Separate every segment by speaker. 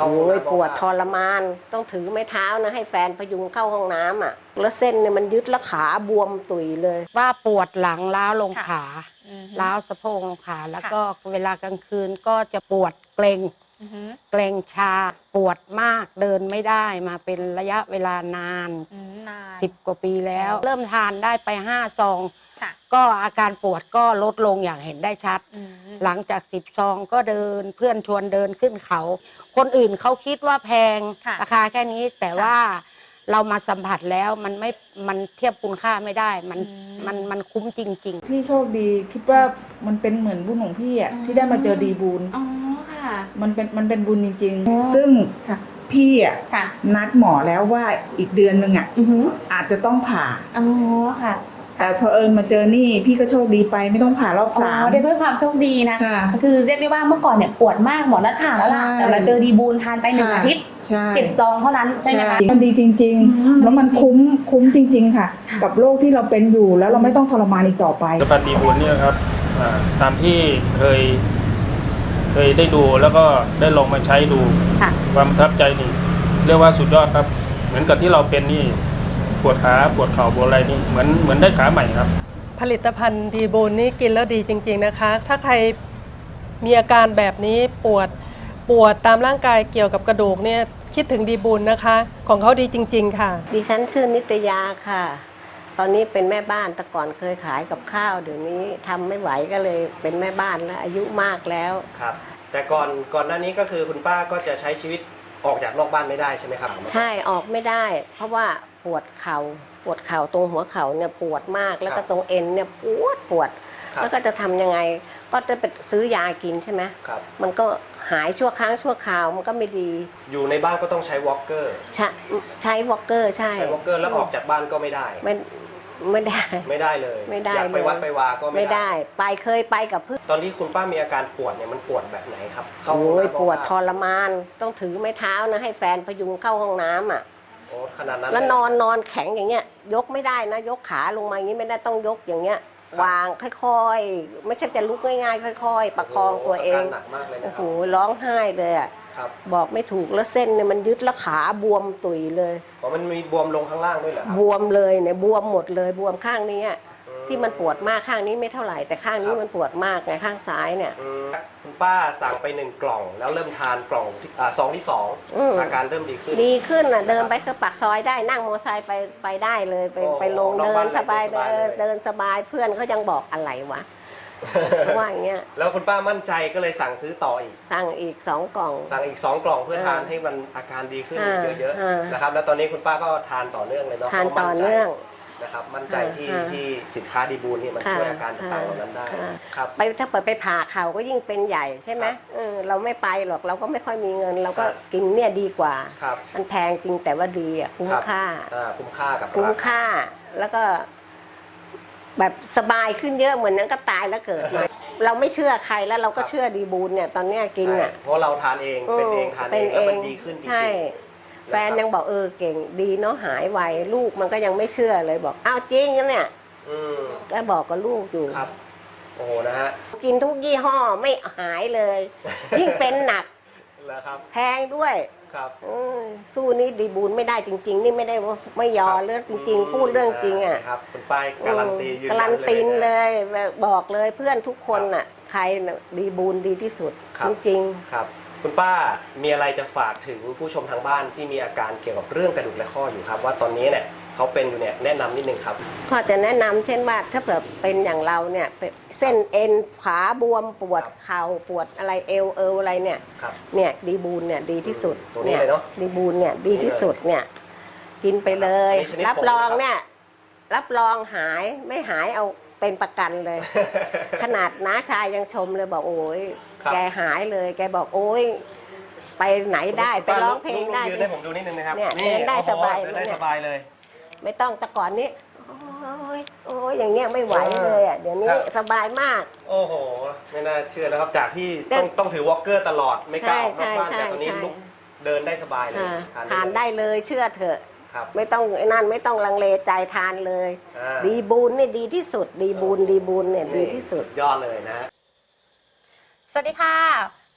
Speaker 1: เข้าห้องน้ำ
Speaker 2: ปวดทรมานต้องถือไม้เท้านะให้แฟนพยุงเข้าห้องน้ำอ่ะแล้วเส้นเนี่ยมันยึดแล้วขาบวมตุยเลยว่าปวดหลังล้าวลงขาล้าวสะโพกลงขาแล้วก็เวลากลางคืนก็จะปวดเกร็งชาปวดมากเดินไม่ได้มาเป็นระยะเวลานาน10 กว่าปีแล้วเริ่มทานได้ไป5 ซองก็อาการปวดก็ลดลงอย่างเห็นได้ชัดหลังจาก10 ซองก็เดินเพื่อนชวนเดินขึ้นเขาคนอื่นเขาคิดว่าแพงราคาแค่นี้แต่ว่าเรามาสัมผัสแล้วมันเทียบคุณค่าไม่ได้มันคุ้มจริงๆ
Speaker 3: พี่โชคดีคิดว่ามันเป็นเหมือนบุญของพี่อ่ะที่ได้มาเจอดีบุญมันเป็นบุญจริงๆซึ่งพี่อ่ะนัดหมอแล้วว่าอีกเดือนนึงอ่ะอาจจะต้องผ่าแต่พอมาเจอนี่พี่ก็โชคดีไปไม่ต้องผ่ารอบ3
Speaker 4: เรียกด้วยความโชคดีนะก็คือเรียกได้ว่าเมื่อก่อนเนี่ยปวดมากหมอนัดผ่าแล้วล่ะแต่มาเจอดีบูลทานไป1 อาทิตย์7 ซองเท่านั้นใช่ไหมคะ
Speaker 3: มันดีจริงๆแล้วมันคุ้มจริงๆค่ะกับโรคที่เราเป็นอยู่แล้วเราไม่ต้องทรมานอีกต่อไป
Speaker 1: ผลิตภัณฑ์ดีบูลเนี่ยครับตามที่เคยได้ดูแล้วก็ได้ลองมาใช้ดูความประทับใจนี่เรียกว่าสุดยอดครับเหมือนกับที่เราเป็นนี่ปวดขาปวดเข่าปวดอะไรนี่เหมือนได้ขาใหม่ครับ
Speaker 5: ผลิตภัณฑ์ดีบูลนี่กินแล้วดีจริงๆนะคะถ้าใครมีอาการแบบนี้ปวดตามร่างกายเกี่ยวกับกระดูกเนี่ยคิดถึงดีบูลนะคะของเขาดีจริงๆค่ะ
Speaker 2: ดิฉันชื่อนิตยาค่ะตอนนี้เป็นแม่บ้านแต่ก่อนเคยขายกับข้าวเดี๋ยวนี้ทำไม่ไหวก็เลยเป็นแม่บ้านแล้วอายุมากแล้ว
Speaker 6: ครับแต่ก่อนหน้านี้ก็คือคุณป้าก็จะใช้ชีวิตออกจากนอกบ้านไม่ได้ใช่ไหมครับ
Speaker 2: ใช่ออกไม่ได้เพราะว่าปวดเข่าตรงหัวเข่าเนี่ยปวดมากแล้วก็ตรงเอ็นเนี่ยปวดแล้วก็จะทำยังไงก็จะไปซื้อยากินใช่ไหมมันก็หายชั่วครั้งชั่วคราวมันก็ไม่ดี
Speaker 6: อยู่ในบ้านก็ต้องใช้วอล์กเกอร์
Speaker 2: ใช้วอล์กเกอร์ใช่
Speaker 6: วอล์กเกอร์แล้วออกจากบ้านก็ไม่ได้
Speaker 2: ไม่ได้
Speaker 6: เลย
Speaker 2: ไม่ได้
Speaker 6: อยากไปวัดไปวาก็
Speaker 2: ไม่ได้เคยไปกับเพื่อน
Speaker 6: ตอนที่คุณป้ามีอาการปวดเนี่ยมันปวดแบบไหนครับ
Speaker 2: ปวดทรมานต้องถือไม้เท้านะให้แฟนพยุงเข้าห้องน้ำอ่ะ
Speaker 6: ขนาดนั้น
Speaker 2: แล้วนอนแข็งอย่างเงี้ยยกไม่ได้นะยกขาลงมาอย่างนี้ไม่ได้ต้องยกอย่างเงี้ยวางค่อยๆไม่ใช่จะลุกง่ายๆค่อยๆประคองตัวเอง
Speaker 6: หนักมากเลยนะ
Speaker 2: โอ้โหร้องไห้เลยอ่ะบอกไม่ถูกแล้วเส้นเนี่ยมันยึดแล้วขาบวมตุยเลย
Speaker 6: มันมีบวมลงข้างล่างด้วยเหรอบ
Speaker 2: วมเลยเนี่ยบวมหมดเลยบวมข้างนี้ที่มันปวดมากข้างนี้ไม่เท่าไหร่แต่ข้างนี้มันปวดมากไงข้างซ้ายเนี่ย
Speaker 6: คุณป้าสั่งไป1 กล่องแล้วเริ่มทานกล่องซองที่2อาการเริ่มดี
Speaker 2: ขึ้นอ่ะเดินไปคือปากซอยได้นั่งมอเตอร์ไซค์ไปได้เลยไปลงเดินสบายเดินสบายเพื่อนเขายังบอกอะไรวะว่าอย่างเงี้ย
Speaker 6: แล้วคุณป้ามั่นใจก็เลยสั่งซื้อต่ออีก
Speaker 2: สั่งอีก2 กล่อง
Speaker 6: เพื่อทานให้มันอาการดีขึ้นเยอะๆนะครับแล้วตอนนี้คุณป้าก็ทานต่อเนื่องเลยเนาะ
Speaker 2: ทานต่อเนื่อง
Speaker 6: นะครับมั่นใจที่สินค้าดีบูลนี่มันช่วยอาการต่างๆเหล่านั้นได้ครับ
Speaker 2: ถ้าเปิดไปผ่าเข่าก็ยิ่งเป็นใหญ่ใช่ไหมเราไม่ไปหรอกเราก็ไม่ค่อยมีเงินเราก็กินเนี่ยดีกว่ามันแพงจริงแต่ว่าดีอ่ะคุ้มค่าคุ้มค่าแล้วก็แบบสบายขึ้นเยอะเหมือนนั้นก็ตายแล้วเกิดมาเราไม่เชื่อใครแล้วเราก็เชื่อดีบูลเนี่ยตอนนี้กินอ่ะ
Speaker 6: เพราะเราทานเองเป็นเองทานเองแล้วมันดีขึ้นจริง
Speaker 2: แฟนยังบอกเก่งดีเนาะหายไวลูกมันก็ยังไม่เชื่อเลยบอกอ้าวจริงนะเนี่ยก็บอกกับลูกอยู่
Speaker 6: ครับโอ้โหนะฮะ
Speaker 2: กินทุกยี่ห้อไม่หายเลยยิ่งเป็นหนักแพงด้วยสู้นี่ดีบูลไม่ได้จริงๆนี่ไม่ได้ว่าไม่ยอเรื่องจริงๆพูดเรื่องจริงอ่ะ
Speaker 6: ครับคุณป้ายการันตี
Speaker 2: การันตีเลยบอกเลยเพื่อนทุกคนอ่ะใครดีบูลดีที่สุดจริง
Speaker 6: ๆครับคุณป้ามีอะไรจะฝากถึงผู้ชมทางบ้านที่มีอาการเกี่ยวกับเรื่องกระดูกและข้ออยู่ครับว่าตอนนี้เนี่ยเขาเป็นอยู่เนี่ยแนะนำนิดนึงครับ
Speaker 2: ก็จะแนะนำเช่นว่าถ้าเผื่อเป็นอย่างเราเนี่ยเส้นเอ็นขาบวมปวดเข่าปวดอะไรเอวอะไรเนี่ยดีบูลเนี่ยดีที่สุด
Speaker 6: เนี่ย
Speaker 2: ดีบูลเนี่ยดีที่สุดเนี่ยกินไปเลยรับรองเนี่ยรับรองหายไม่หายเอาเป็นประกันเลยขนาดน้าชายยังชมเลยบอกโอ้ยแกหายเลยแกบอกโอ้ยไปไหนได้ไปร้องเพลงได้
Speaker 6: ยืนให้ผมดูนิดนึงนะครับ
Speaker 2: เนี่ยเดินได้สบาย
Speaker 6: เลย
Speaker 2: ไม่ต้องแต่ก่อนนี้โอ้ยอย่างเงี้ยไม่ไหวเลยอ่ะเดี๋ยวนี้สบายมาก
Speaker 6: โอ้โหไม่น่าเชื่อนะครับจากที่ต้องถือวอล์กเกอร์ตลอดไม่กล้าออกนอกบ้านแต่ตอนนี้ลุกเดินได้สบายเลย
Speaker 2: ทานได้เลยเชื่อเถอะไม่ต้องนั่นไม่ต้องลังเลใจทานเลยดีบูลนี่ดีที่สุดดีบูลเนี่ยดีที่สุด
Speaker 6: ยอดเลยนะ
Speaker 4: สวัสดีค่ะ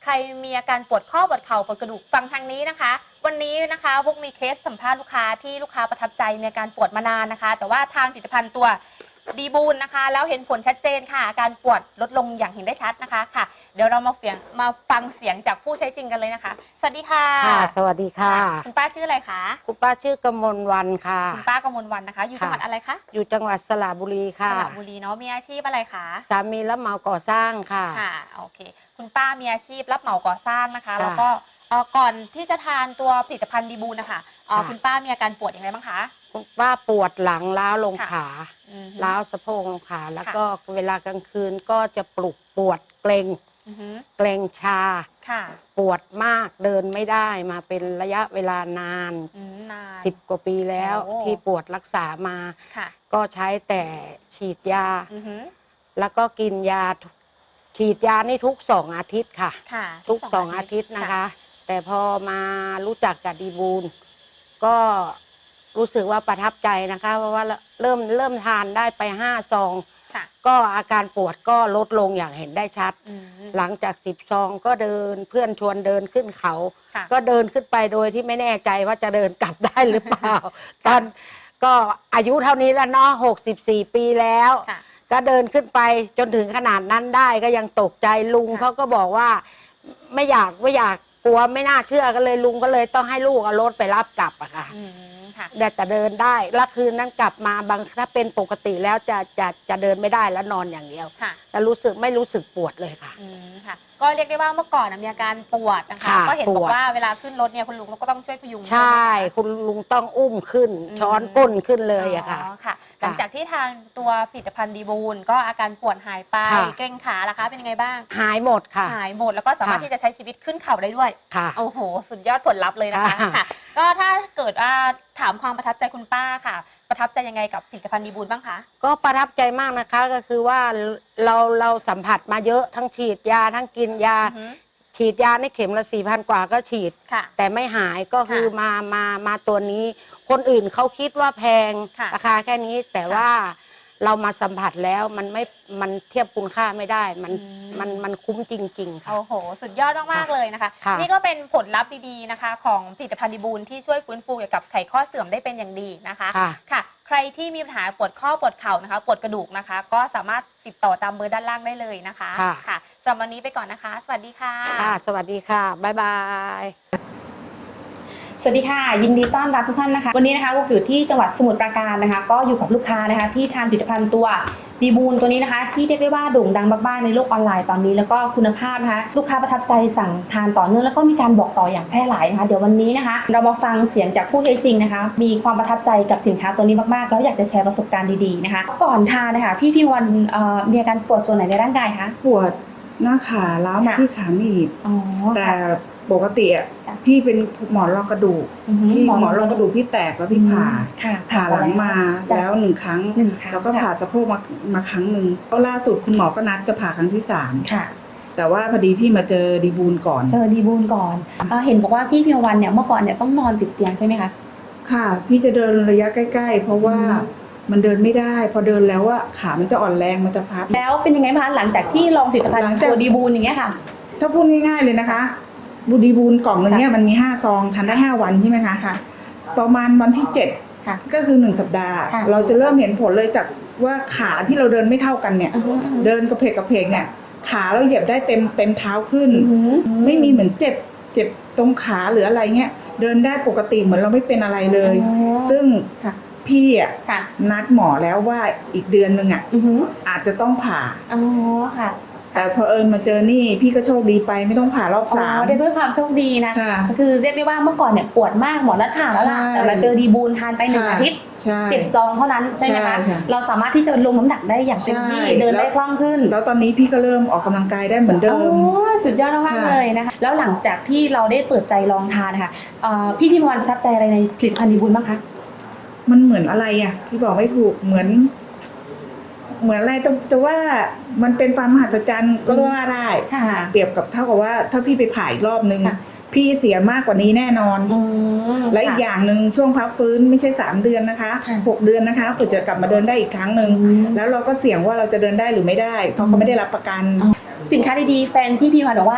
Speaker 4: ใครมีอาการปวดข้อปวดเข่าปวดกระดูกฟังทางนี้นะคะวันนี้นะคะพวกมีเคสสัมภาษณ์ลูกค้าที่ลูกค้าประทับใจมีอาการปวดมานานนะคะแต่ว่าทางผลิตภัณฑ์ตัวดีบูนนะคะแล้วเห็นผลชัดเจนค่ะอาการปวดลดลงอย่างเห็นได้ชัดนะคะค่ะเดี๋ยวเรามาฟังเสียงจากผู้ใช้จริงกันเลยนะคะสวัสดีค่ะ
Speaker 2: ค่ะสวัสดีค่ะ
Speaker 4: คุณป้าชื่ออะไรคะ
Speaker 2: คุณป้าชื่อกมลวันค่ะ
Speaker 4: คุณป้ากมลวันนะคะอยู่จังหวัดอะไรคะ
Speaker 2: อยู่จังหวัดสระบุรี
Speaker 4: ส
Speaker 2: ค่ะ
Speaker 4: ระบุรีเนาะมีอาชีพอะไรคะ
Speaker 2: สามีรับเหมาก่อสร้างค่ะ
Speaker 4: ค่ะโอเคคุณป้ามีอาชีพรับเหมาก่อสร้างนะคะ
Speaker 2: ค่ะ
Speaker 4: แล้วก็ก่อนที่จะทานตัวผลิตภัณฑ์ดีบูนนะคะ
Speaker 2: ค่ะ
Speaker 4: คุณป้ามีอาการปวดอย่างไรบ้างคะ
Speaker 2: คุณป้าปวดหลังล้าวลง
Speaker 4: ค่ะ
Speaker 2: ขา
Speaker 4: อือฮึ
Speaker 2: ล้าวสะโพกลงขาแล้ว
Speaker 4: ค่ะ
Speaker 2: ก็เวลากลางคืนก็จะปวดเกร็ง
Speaker 4: อือฮึ
Speaker 2: เกร็งชา
Speaker 4: ค่ะ
Speaker 2: ปวดมากเดินไม่ได้มาเป็นระยะเวลานาน
Speaker 4: นาน
Speaker 2: 10 กว่าปีแล้ว
Speaker 4: โอ้
Speaker 2: ที่ปวดรักษามา
Speaker 4: ค่ะ
Speaker 2: ก็ใช้แต่ฉีดยา
Speaker 4: อือฮึ
Speaker 2: แล้วก็กินยาฉีดยานี่ทุก2 อาทิตย์ค่ะ
Speaker 4: ค่ะ
Speaker 2: ทุก2 อาทิตย์นะคะ แต่พอมารู้จักกับดีบูลก็รู้สึกว่าประทับใจนะคะ เพราะว่าเริ่มทานได้ไป5 ซอง
Speaker 4: ค่ะ
Speaker 2: ก็อาการปวดก็ลดลงอย่างเห็นได้ชัด
Speaker 4: อืม
Speaker 2: หลังจาก10 ซองก็เดินเพื่อนชวนเดินขึ้นเขา
Speaker 4: ค่ะ
Speaker 2: ก็เดินขึ้นไปโดยที่ไม่แน่ใจว่าจะเดินกลับได้หรือเปล่า ตอนก็อายุเท่านี้แล้วเนาะ64 ปีแล้ว
Speaker 4: ค่ะ
Speaker 2: ก็เดินขึ้นไปจนถึงขนาดนั้นได้ก็ยังตกใจลุง
Speaker 4: ค่ะ
Speaker 2: เขาก็บอกว่าไม่อยากกลัวไม่น่าเชื่อก็เลยลุงก็เลยต้องให้ลูกเอารถไปรับกลับอะค่ะ
Speaker 4: อืมค่ะ
Speaker 2: แต่เดินได้แล้วคืนนั้นกลับมาถ้าเป็นปกติแล้วจะเดินไม่ได้แล้วนอนอย่างเดียว
Speaker 4: ค่ะ
Speaker 2: แต่ไม่รู้สึกปวดเลยค่ะ
Speaker 4: อืมค่ะ ก็เรียกได้ว่าเมื่อก่อนมีอาการปวดนะคะ
Speaker 2: ค่ะ
Speaker 4: ก็เห็นบอ
Speaker 2: ปว
Speaker 4: ก
Speaker 2: ด
Speaker 4: ว่าเวลาขึ้นรถเนี่ยคุณลุงก็ต้องช่วยพยุง
Speaker 2: ใช่
Speaker 4: ไหมคะ
Speaker 2: คุณลุงต้องอุ้มขึ้น ช้อนก้นขึ้นเลยอะค่ะ
Speaker 4: อ๋อค่ะ หลังจากที่ทานตัวผลิตภัณฑ์ดีบูนก็อาการปวดหายไป
Speaker 2: ค่ะ
Speaker 4: เกร็งขาล่ะคะเป็นยังไงบ้าง
Speaker 2: หายหมดค่ะ
Speaker 4: หายหมดแล้วก็สามารถ
Speaker 2: ค่ะ
Speaker 4: ที่จะใช้ชีวิตขึ้นเขาได้ด้วย
Speaker 2: ค่ะ
Speaker 4: โอ้โห สุดยอดผลลัพธ์เลยนะคะ
Speaker 2: ค่ะ
Speaker 4: ค่ะ ก็ถ้าเกิดถามความประทับใจคุณป้าค่ะ ประทับใจยังไงกับผลิตภัณฑ์ดีบูนบ้างคะ
Speaker 2: ก็ประทับใจมากนะคะก็คือว่าเราสัมผัสมาเยอะทั้งฉีดยาทั้งกินยา
Speaker 4: อือฮึ
Speaker 2: ฉีดยาในเข็มละ4,000 กว่าก็ฉีด
Speaker 4: ค่ะ
Speaker 2: แต่ไม่หายก็คือ
Speaker 4: ค่ะ
Speaker 2: มาตัวนี้ คนอื่นเขาคิดว่าแพง
Speaker 4: ค่ะ
Speaker 2: ราคาแค่นี้แต่
Speaker 4: ค่ะ
Speaker 2: ว่าเรามาสัมผัสแล้วมันเทียบคุณค่าไม่ได้
Speaker 4: อืม
Speaker 2: มันคุ้มจริง ๆ ค่ะ
Speaker 4: โอ้โห สุดยอดมากๆเลยนะคะ
Speaker 2: ค่ะ
Speaker 4: นี่ก็เป็นผลลัพธ์ดีๆนะคะ ของผลิตภัณฑ์ดีบูนที่ช่วยฟื้นฟูเกี่ยวกับไขข้อเสื่อมได้เป็นอย่างดีนะคะ
Speaker 2: ค่ะ
Speaker 4: ค่ะ ใครที่มีปัญหาปวดข้อปวดเข่านะคะ ปวดกระดูกนะคะ ก็สามารถติดต่อตามเบอร์ด้านล่างได้เลยนะคะ
Speaker 2: ค่ะ
Speaker 4: ค่ะสำหรับวันนี้ไปก่อนนะคะ สวัสดีค่ะ
Speaker 2: ค่ะ สวัสดีค่ะ บ๊ายบาย
Speaker 4: สวัสดีค่ะ ยินดีต้อนรับทุกท่านนะคะ วันนี้นะคะพวกอยู่ที่จังหวัดสมุทรปราการนะคะ ก็อยู่กับลูกค้านะคะที่ทานผลิตภัณฑ์ตัวดีบูนตัวนี้นะคะ ที่เรียกได้ว่าโด่งดังมากๆในโลกออนไลน์ตอนนี้แล้วก็คุณภาพนะคะลูกค้าประทับใจสั่งทานต่อเนื่องแล้วก็มีการบอกต่ออย่างแพร่หลายนะคะเดี๋ยววันนี้นะคะ เรามาฟังเสียงจากผู้ใช้จริงนะคะ มีความประทับใจกับสินค้าตัวนี้มากๆแล้วอยากจะแชร์ประสบการณ์ดีๆนะคะ ก่อนทานนะคะพี่วันมีอาการปวดส่วนไหนในร่างกายคะ
Speaker 3: ปวดหน้าขาล้าวมา
Speaker 4: ค่ะ
Speaker 3: ที่ขาหนีบ
Speaker 4: อ๋อ
Speaker 3: แต่
Speaker 4: ค่ะ
Speaker 3: ปกติอ่ะ
Speaker 4: จ้ะ
Speaker 3: พี่เป็นหมอนรองกระดูก พี่หมอนรองกระดูกพี่แตกแล้วพี่ผ่า
Speaker 4: ค่ะ
Speaker 3: ผ่าหลังมา
Speaker 4: จ้ะ
Speaker 3: แล้ว1 ครั้ง
Speaker 4: หนึ่งครั้ง
Speaker 3: แล้วก็ผ่าสะโพกมาครั้งหนึ่งแล้วล่าสุดคุณหมอก็นัดจะผ่าครั้งที่
Speaker 4: ค่ะ
Speaker 3: 3แต่ว่าพอดีพี่มาเจอดีบูลก่อน
Speaker 4: เจอดีบูนก่อนเห็นบอกว่าพี่พิมวันเนี่ยเมื่อก่อนเนี่ยต้องนอนติดเตียงใช่ไหมคะ
Speaker 3: ค่ะ พี่จะเดินระยะใกล้ๆ เพราะว่า
Speaker 4: อืม
Speaker 3: มันเดินไม่ได้ พอเดินแล้วว่าขามันจะอ่อนแรงมันจะพับ
Speaker 4: แล้วเป็นยังไงบ้างหลังจากที่ลองผลิตภัณฑ์
Speaker 3: หลังจาก
Speaker 4: ตัวดีบูนอย่างเงี้ยค่ะ
Speaker 3: ถ้าพูดง่ายๆเลยนะคะบูดีบูลกล่องหนึ่งเนี่ยมันมี5 ซองทานได้5 วันใช่ไหมคะ
Speaker 4: ค่ะ
Speaker 3: ประมาณวันที่
Speaker 4: ค่ะ
Speaker 3: 7 ก็คือ1 สัปดาห์
Speaker 4: ค่ะ
Speaker 3: เราจะเริ่มเห็นผลเลยจากว่าขาที่เราเดินไม่เท่ากันเนี่ย
Speaker 4: อือฮึ
Speaker 3: เดินกระเพกเนี่ยขาเราเหยียบได้เต็มเท้าขึ้น
Speaker 4: อือฮึ
Speaker 3: ไม่มีเหมือนเจ็บตรงขาหรืออะไรเงี้ยเดินได้ปกติเหมือนเราไม่เป็นอะไรเลย
Speaker 4: อ๋อ
Speaker 3: ซึ่ง
Speaker 4: ค่ะ
Speaker 3: พี่อ่ะ
Speaker 4: ค่ะ
Speaker 3: นัดหมอแล้วว่าอีกเดือนนึงอ่ะ
Speaker 4: อือฮึ
Speaker 3: อาจจะต้องผ่า
Speaker 4: อ๋อค่ะ
Speaker 3: แต่พอมาเจอนี่พี่ก็โชคดีไปไม่ต้องผ่ารอบ
Speaker 4: อ๋อ
Speaker 3: 3
Speaker 4: ได้ด้วยความโชคดีนะ
Speaker 3: ค่ะ
Speaker 4: ก็คือเรียกได้ว่าเมื่อก่อนเนี่ยปวดมากหมอนัดผ่าแล้วล่ะ
Speaker 3: ใช่
Speaker 4: แต่มาเจอดีบูนทานไป1 อาทิตย์
Speaker 3: ใช่
Speaker 4: 7 ซองเท่านั้นใช่ไหม
Speaker 3: ใช่
Speaker 4: คะ
Speaker 3: ค่ะ
Speaker 4: เราสามารถที่จะลงน้ำหนักได้อย่างเต็มที่
Speaker 3: ใช่
Speaker 4: เดินได้
Speaker 3: แล้ว
Speaker 4: คล่องขึ้น
Speaker 3: แล้วตอนนี้พี่ก็เริ่มออกกำลังกายได้เหมือนเดิ
Speaker 4: โอ้
Speaker 3: ม
Speaker 4: สุดยอดมากๆ
Speaker 3: ค่ะ
Speaker 4: เลยนะคะแล้วหลังจากที่เราได้เปิดใจลองทานนะคะพี่พิมพ์วันประทับใจอะไรในผลิตภัณฑ์ดีบุญบ้างคะ
Speaker 3: มันเหมือนอะไรอ่ะพี่บอกไม่ถูกเหมือนอะไรแต่ว่ามันเป็นความมหัศจรรย์ก็ว่าได้
Speaker 4: ค่ะ
Speaker 3: เปรียบกับเท่ากับว่าถ้าพี่ไปผ่าอีกรอบนึง
Speaker 4: ค่ะ
Speaker 3: พี่เสียมากกว่านี้แน่นอน
Speaker 4: อืม
Speaker 3: และอีกอย่างหนึ่งช่วงพักฟื้นไม่ใช่3 เดือนนะคะ
Speaker 4: ค่ะ
Speaker 3: 6 เดือนนะคะเพื่อจะกลับมาเดินได้อีกครั้งหนึ่ง
Speaker 4: อืม
Speaker 3: แล้วเราก็เสี่ยงว่าเราจะเดินได้หรือไม่ได้ เพราะเขาไม่ได้รับประกัน
Speaker 4: สินค้าดีๆแฟนพี่พิมพ์วันบอกว่าคุณ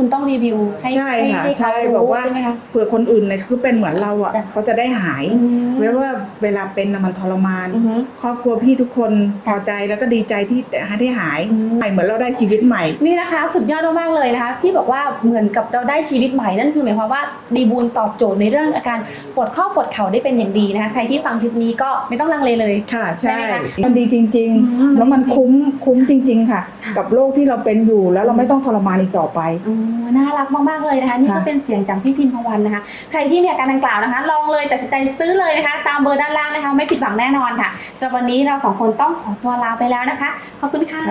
Speaker 4: คุณต้องรีวิวให้
Speaker 3: ใช่ค่ะ
Speaker 4: ให้
Speaker 3: ใช่
Speaker 4: เขา
Speaker 3: บอก
Speaker 4: รู้
Speaker 3: ว่า
Speaker 4: ใช่ไหมคะ
Speaker 3: เผื่อคนอื่นเนี่ยคือเป็นเหมือนเราอ่ะ
Speaker 4: จ้ะ
Speaker 3: เขาจะได้หาย
Speaker 4: อืม
Speaker 3: ไว้ว่าเวลาเป็นน่ะมันทรมาน
Speaker 4: อือฮึ
Speaker 3: ครอบครัวพี่ทุกคนพอใจแล้วก็ดีใจที่ได้หาย
Speaker 4: อืม
Speaker 3: เหมือนเราได้ชีวิตใหม่
Speaker 4: นี่นะคะสุดยอดมากๆเลยนะคะพี่บอกว่าเหมือนกับเราได้ชีวิตใหม่นั่นคือหมายความว่าดีบูลตอบโจทย์ในเรื่องอาการปวดข้อปวดเข่าได้เป็นอย่างดีนะคะใครที่ฟังคลิปนี้ก็ไม่ต้องลังเลเลย
Speaker 3: ค่ะ
Speaker 4: ใช่
Speaker 3: ใช่
Speaker 4: ไหมคะ
Speaker 3: มันดีจริง
Speaker 4: อืม
Speaker 3: ๆ แล้วมันคุ้มจริง ๆ ค่ะ
Speaker 4: ค่ะ
Speaker 3: กับโรคที่เราเป็นอยู่แล้วเราไม่ต้องทรมานอีกต่อไป
Speaker 4: น่ารักมากๆเลยนะคะนี่ก็
Speaker 3: ค่ะ
Speaker 4: เป็นเสียงจากพี่พิมพวันนะคะใครที่มีอาการดังกล่าวนะคะ ลองเลยตัดสินใจซื้อเลยนะคะ ตามเบอร์ด้านล่างนะคะ ไม่ผิดหวังแน่นอนค่ะสำหรับวันนี้เราสองคนต้องขอตัวลาไปแล้วนะคะขอบคุณค่ะ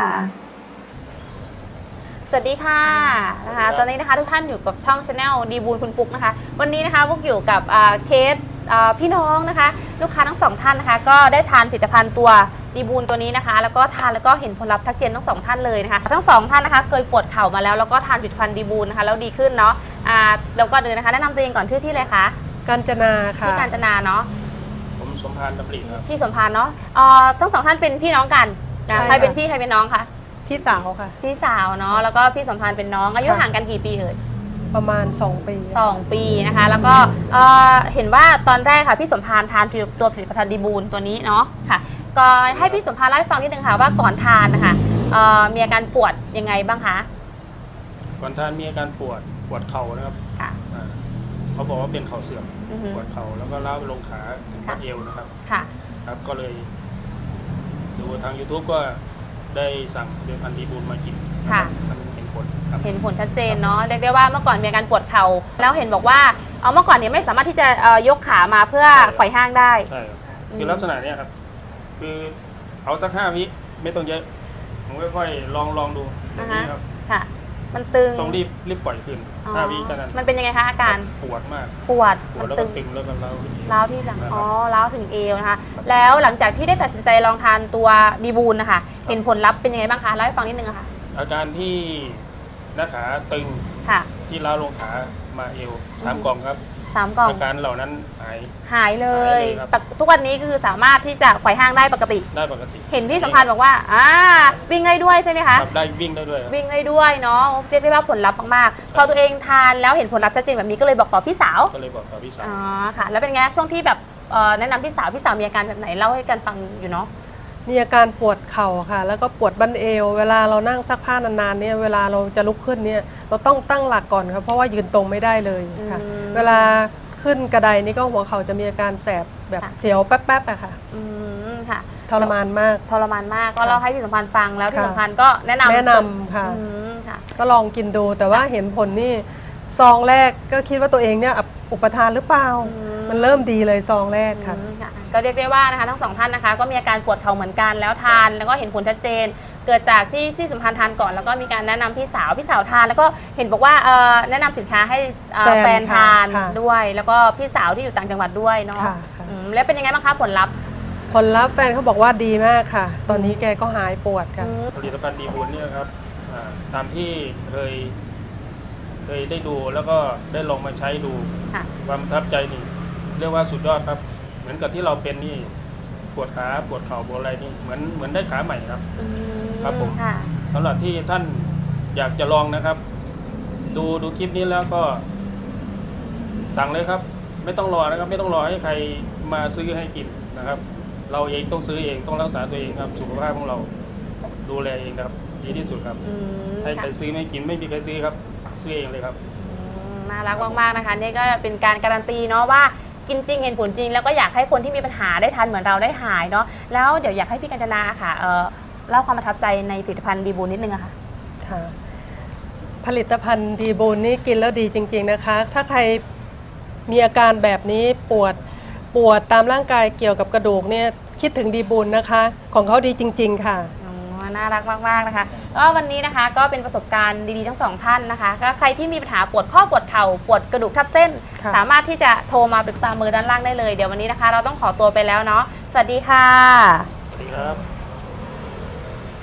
Speaker 4: สวัสดีค่ะนะคะตอนนี้นะคะทุกท่านอยู่กับช่องชาแนลดีบูลคุณปุ๊กนะคะวันนี้นะคะพวกอยู่กับเคสพี่น้องนะคะลูกค้าทั้งสองท่านนะคะก็ได้ทานผลิตภัณฑ์ตัวดีบูลตัวนี้นะคะแล้วก็ทานแล้วก็เห็นผลลัพธ์ทักเจนทั้งสองท่านเลยนะคะทั้งสองท่านนะคะเคยปวดเข่ามาแล้วแล้วก็ทานผลิตภัณฑ์ดีบูลนะคะแล้วดีขึ้นเนาะแล้วก็เดินนะคะแนะนำตัวเองก่อนชื่อที่เลยคะ
Speaker 5: กาญจนาค่ะ
Speaker 4: ที่กาญจนาเนาะ
Speaker 1: ผมสมพานดำริครับ
Speaker 4: ที่สมพานเนาะทั้งสองท่านเป็นพี่น้องกันนะใครเป็นพี่ใครเป็นน้องคะ
Speaker 5: พี่สาวค่ะ
Speaker 4: พี่สาวเนาะแล้วก็พี่สมพานเป็นน้องอายุห่างกันกี่ปีเอ่ย
Speaker 5: ประมาณ 2 ปี
Speaker 4: 2 ปีนะคะแล้วก็เห็นว่าตอนแรกค่ะพี่สมพานทานตัวผลิตภัณฑ์ดีบูลตัวนี้เนาะค่ะก็ให้พี่สมพานเล่าให้ฟังนิดนึงค่ะว่าก่อนทานนะคะมีอาการปวดยังไงบ้างคะ
Speaker 1: ก่อนท่านมีอาการปวดเข่านะครับ
Speaker 4: ค่ะ
Speaker 1: เขาบอกว่าเป็นเข่าเสื่อม
Speaker 4: อือฮึ
Speaker 1: ปวดเข่าแล้วก็ล้าวไปลงขาถึงบัดเอวนะครับ
Speaker 4: ค่ะ
Speaker 1: ครับก็เลยดูทาง YouTube ก็ได้สั่งเดือนพันธีบูลมากิน
Speaker 4: ค่ะ
Speaker 1: มันเห็นผลครับ
Speaker 4: เห็นผลชัดเจนเนาะเรียกได้ว่าเมื่อก่อนมีอาการปวดเข่าแล้วเห็นบอกว่าเมื่อก่อนเนี่ยไม่สามารถที่จะยกขามาเพื่อไขว่ห้างได้
Speaker 1: ใช่ครับคือลักษณะเนี้ยครับ คือเอาสัก5 วิไม่ต้องเยอะผมค่อยๆลองดูแบบนี้ครับ
Speaker 4: ค่ะ มันตึง
Speaker 1: ต้องรีบปล่อยคืน
Speaker 4: อ๋อ
Speaker 1: 5 วิเท่านั้น
Speaker 4: มันเป็นยังไงคะอาการ
Speaker 1: ปวดมาก
Speaker 4: ปวด
Speaker 1: ปว
Speaker 4: มั
Speaker 1: ด
Speaker 4: น
Speaker 1: แล้ว
Speaker 4: ตึ
Speaker 1: ก็
Speaker 4: ง
Speaker 1: ตึงแล้วก็ร้าวขึ้นเอง
Speaker 4: ร้าวที่หลัง
Speaker 1: นะครับ
Speaker 4: อ๋อร้าวถึงเอวนะคะ แล้วหลังจากที่ได้ตัดสินใจลองทานตัวดีบูลนะคะ เห็นผลลัพธ์เป็นยังไงบ้างคะ เล่าให้ฟังนิดนึงอะค่ะ
Speaker 1: อาการที่หน้าขาตึง
Speaker 4: ค่ะ
Speaker 1: ที่ล้าวลงขามาเอว3 กล่องครับ
Speaker 4: 3 กล่อง
Speaker 1: อาการเหล่านั้นหาย
Speaker 4: หายเลย
Speaker 1: หายเลยครับ
Speaker 4: ทุกวันนี้คือสามารถที่จะไขว่ห้างได้ปกติ
Speaker 1: ได้ปกติ
Speaker 4: เห็นพี่สัมพันธ์บอกว่าวิ่งได้ด้วยใช่ไหมคะ
Speaker 1: ครับได้วิ่งได้ด้วยครับ
Speaker 4: วิ่งได้ด้วยเนาะ เรียกได้ว่าผลลัพธ์มากๆ พอตัวเองทานแล้วเห็นผลลัพธ์ชัดเจนแบบนี้ก็เลยบอกต่อพี่สาว
Speaker 1: ก็เลยบอกกับพี่สาว
Speaker 4: อ๋อ ค่ะ แล้วเป็นไงช่วงที่แบบแนะนำพี่สาวมีอาการแบบไหนเล่าให้กันฟังอยู่เนาะ
Speaker 5: มีอาการปวดเข่าค่ะ แล้วก็ปวดบั้นเอว เวลาเรานั่งซักผ้านานๆเนี่ยเวลาเราจะลุกขึ้นเนี่ยเราต้องตั้งหลักก่อนครับเพราะว่ายืนตรงไม่ได้เลยค่ะ
Speaker 4: อืม
Speaker 5: เวลาขึ้นกระไดนี่ก็หัวเข่าจะมีอาการแสบแบบ
Speaker 4: ค่ะ
Speaker 5: เสียวแป๊บๆอะค่ะ
Speaker 4: ค่ะ
Speaker 5: ทรมานมาก
Speaker 4: ทรมานมากก็เล่าให้พี่สัมพันธ์ฟังแล้วพี่
Speaker 5: ค่ะ
Speaker 4: สัมพันธ์ก็แนะนำ
Speaker 5: แนะนำค่ะ
Speaker 4: ค่ะ
Speaker 5: ก็ลองกินดูแต่ว่าเห็นผลนี่ซองแรกก็คิดว่าตัวเองเนี่ยอุปทานหรือเปล่า
Speaker 4: อืม
Speaker 5: มันเริ่มดีเลยซองแรกค่ะ
Speaker 4: ค่ะก็เรียกได้ว่านะคะทั้งสองท่านนะคะก็มีอาการปวดเข่าเหมือนกันแล้วทานแล้วก็เห็นผลชัดเจน เกิดจากที่พี่สัมพันธ์ทานก่อนแล้วก็มีการแนะนำพี่สาวทานแล้วก็เห็นบอกว่าแนะนำสินค้าให้แฟนทาน
Speaker 5: ค่ะ
Speaker 4: ด้วย แล้วก็พี่สาวที่อยู่ต่างจังหวัดด้วยเนาะ
Speaker 5: ค่ะค่ะ
Speaker 4: แล้วเป็นยังไงบ้างคะผลลัพธ์
Speaker 5: ผลลัพธ์แฟนเขาบอกว่าดีมากค่ะ ตอนนี้แกก็หายปวดค่ะ
Speaker 1: ผลิตภัณฑ์ดีบุญเนี่ยครับตามที่เคยได้ดูแล้วก็ได้ลองมาใช้ดู
Speaker 4: ค่ะ
Speaker 1: ความประทับใจนี่เรียกว่าสุดยอดครับ เหมือนกับที่เราเป็นนี่ปวดขาปวดเข่าปวดอะไรนี่เหมือนได้ขาใหม่ครับ ครับผม
Speaker 4: ค่ะ
Speaker 1: สำหรับที่ท่านอยากจะลองนะครับ ดูคลิปนี้แล้วก็สั่งเลยครับ ไม่ต้องรอนะครับ ไม่ต้องรอให้ใครมาซื้อให้กินนะครับ เราเองต้องซื้อเองต้องรักษาตัวเองครับสุขภาพของเราดูแลเองครับ ดีที่สุดครับให้ใครซื้อไม่กินไม่มีใครซื้อครับซื้อเองเลยครับ
Speaker 4: น่ารักมากๆนะคะนี่ก็เป็นการการันตีเนาะว่ากินจริงเห็นผลจริง แล้วก็อยากให้คนที่มีปัญหาได้ทานเหมือนเราได้หายเนาะแล้วเดี๋ยวอยากให้พี่กัญจนาค่ะเล่าความประทับใจในผลิตภัณฑ์ดีบูลนิดนึงอะค่ะ
Speaker 5: ค่ะ ผลิตภัณฑ์ดีบูลนี่กินแล้วดีจริงๆนะคะ ถ้าใครมีอาการแบบนี้ปวดตามร่างกายเกี่ยวกับกระดูกเนี่ยคิดถึงดีบูลนะคะ ของเขาดีจริงๆค่ะ
Speaker 4: น่ารักมากๆนะคะก็วันนี้นะคะก็เป็นประสบการณ์ดีๆทั้งสองท่านนะคะก็ใครที่มีปัญหาปวดข้อปวดเข่าปวดกระดูกทับเส้น
Speaker 5: ค่ะ
Speaker 4: สามารถที่จะโทรมาปรึกษามือด้านล่างได้เลยเดี๋ยววันนี้นะคะเราต้องขอตัวไปแล้วเนาะสวัสดีค่ะ
Speaker 1: สวัสดีครับ